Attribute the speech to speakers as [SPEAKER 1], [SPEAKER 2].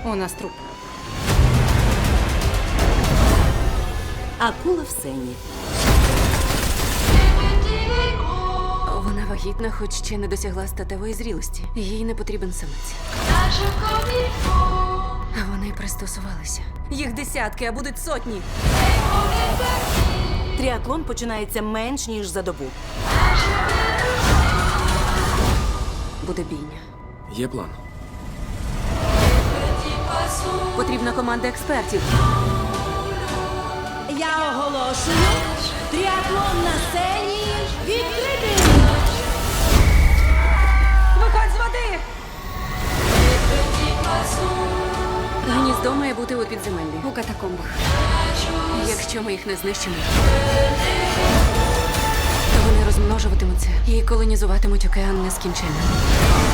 [SPEAKER 1] У нас труп.
[SPEAKER 2] Акула в сені.
[SPEAKER 1] Вона вагітна, хоч ще не досягла статевої зрілості. Їй не потрібен самець. А вони пристосувалися. Їх десятки, а будуть сотні.
[SPEAKER 2] Тріатлон починається менш ніж за добу.
[SPEAKER 1] Буде бійня.
[SPEAKER 3] Є план.
[SPEAKER 1] Потрібна команда експертів.
[SPEAKER 2] Я оголошую тріатлон на сцені відкритий!
[SPEAKER 1] Виходь з води! Гніздо має бути у підземеллі, у катакомбах. Якщо ми їх не знищимо, то вони розмножуватимуться і колонізуватимуть океан нескінченно.